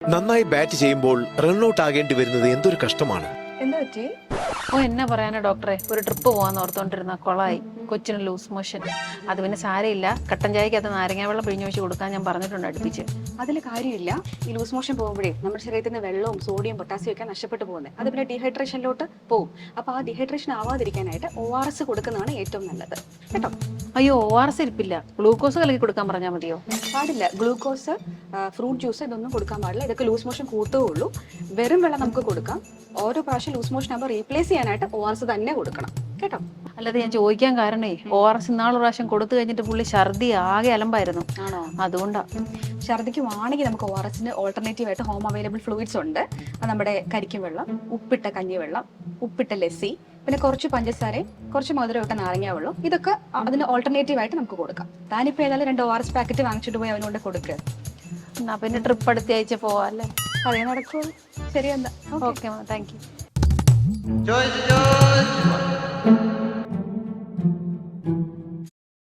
നന്നായി ബാറ്റ് ചെയ്യുമ്പോൾ റൺഔട്ട് ആകേണ്ടി വരുന്നത് എന്തൊരു കഷ്ടമാണ്. എന്താ പറ്റി? ഓ എന്നാ പറയാനാ ഡോക്ടറെ, ഒരു ട്രിപ്പ് പോകാൻ ഓർത്തോണ്ടിരുന്ന കൊളായി. കൊച്ചിന് ലൂസ് മോഷൻ. അത് പിന്നെ സാരയില്ല, കട്ടൻ ചായക്കകത്ത് നാരങ്ങ വെള്ളം പിഴിഞ്ഞു വെച്ച് കൊടുക്കാൻ ഞാൻ പറഞ്ഞിട്ടുണ്ട് അടുപ്പിച്ച്. അതിൽ കാര്യമില്ല. ഈ ലൂസ് മോഷൻ പോകുമ്പോഴേ നമ്മുടെ ശരീരത്തിൽ നിന്ന് വെള്ളവും സോഡിയം പൊട്ടാസ്യം ഒക്കെ നഷ്ടപ്പെട്ടു പോകുന്നത്. അത് പിന്നെ ഡീഹൈഡ്രേഷനിലോട്ട് പോകും. അപ്പോൾ ആ ഡീഹൈഡ്രേഷൻ ആവാതിരിക്കാനായിട്ട് ORS കൊടുക്കുന്നതാണ് ഏറ്റവും നല്ലത് കേട്ടോ. അയ്യോ, ORS ഇരിപ്പില്ല, ഗ്ലൂക്കോസ് കലക്കി കൊടുക്കാൻ പറഞ്ഞാൽ മതിയോ? പാടില്ല. ഗ്ലൂക്കോസ്, ഫ്രൂട്ട് ജ്യൂസ് ഇതൊന്നും കൊടുക്കാൻ പാടില്ല. ഇതൊക്കെ ലൂസ് മോഷൻ കൂട്ടുകയുള്ളൂ. വെറും വെള്ളം നമുക്ക് കൊടുക്കാം. ഓരോ പ്രാവശ്യം ലൂസ് മോഷൻ ആകുമ്പോൾ റീപ്ലേസ് ചെയ്യാനായിട്ട് ORS തന്നെ കൊടുക്കണം കേട്ടോ. അല്ലാതെ ഞാൻ ചോദിക്കാൻ കാരണേ, ORS ഇന്നാളൊരു പ്രാവശ്യം കൊടുത്തു കഴിഞ്ഞിട്ട് പുള്ളി ഛർദി ആകെ അലമ്പായിരുന്നു. ആണോ? അതുകൊണ്ടാ. ഛർദിക്ക് വാണെങ്കിൽ നമുക്ക് ORSന് ഓൾട്ടർനേറ്റീവ് ആയിട്ട് ഹോം അവൈലബിൾ ഫ്ലൂയിഡ്സ് ഉണ്ട്. അത് നമ്മുടെ കരിക്കും വെള്ളം, ഉപ്പിട്ട കഞ്ഞിവെള്ളം, ഉപ്പിട്ട ലസ്സി, പിന്നെ കുറച്ച് പഞ്ചസാരയും കുറച്ച് മധുരമൊക്കെ നാരങ്ങ വെള്ളം, ഇതൊക്കെ അതിന് ഓൾട്ടർനേറ്റീവ് ആയിട്ട് നമുക്ക് കൊടുക്കാം. താനിപ്പോൾ ഏതായാലും 2 ORS പാക്കറ്റ് വാങ്ങിച്ചിട്ട് പോയി അവനോട് കൊടുക്കുക. എന്നാ പിന്നെ ട്രിപ്പ് അടുത്ത ആഴ്ച പോവാല്ലേ? അതേ നടക്കുള്ളൂ. ശരി, എന്താ? Okay, thank U.